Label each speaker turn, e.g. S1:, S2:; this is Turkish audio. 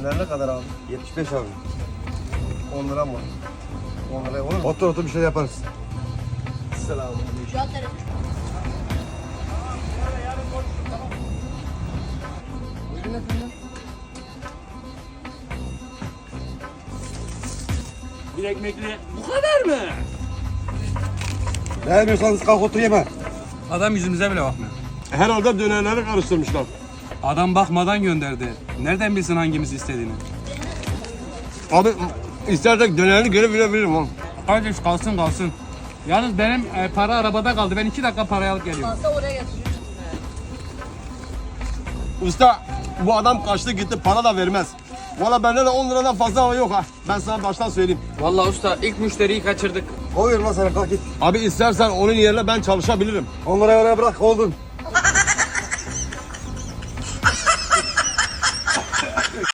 S1: Döner ne kadar abi?
S2: 75 abi.
S1: 10 lira mı? 10 liraya olur mu?
S2: Otur bir şey yaparız.
S1: Selamünaleyküm.
S3: Şu an telefon.
S1: Buyurun efendim.
S4: Bir ekmekli bu kadar mı?
S2: Beğenmiyorsanız kalk otur yeme.
S5: Adam yüzümüze bile bakmıyor.
S2: Herhalde dönerleri karıştırmışlar.
S5: Adam bakmadan gönderdi. Nereden bilsin hangimiz istediğini?
S2: Abi istersek dönerini geri verebilirim oğlum.
S5: Kardeş kalsın kalsın. Yalnız benim para arabada kaldı. Ben 2 dakika parayı alıp geliyorum.
S3: Fazla oraya getiriyor.
S2: Usta bu adam kaçtı gitti para da vermez. Valla bende de 10 liradan fazla yok ha. Ben sana baştan söyleyeyim.
S5: Vallahi usta ilk müşteriyi kaçırdık.
S2: Koyuyorum lan sana kalk git. Abi istersen onun yerine ben çalışabilirim. 10 lirayı oraya bırak oldun.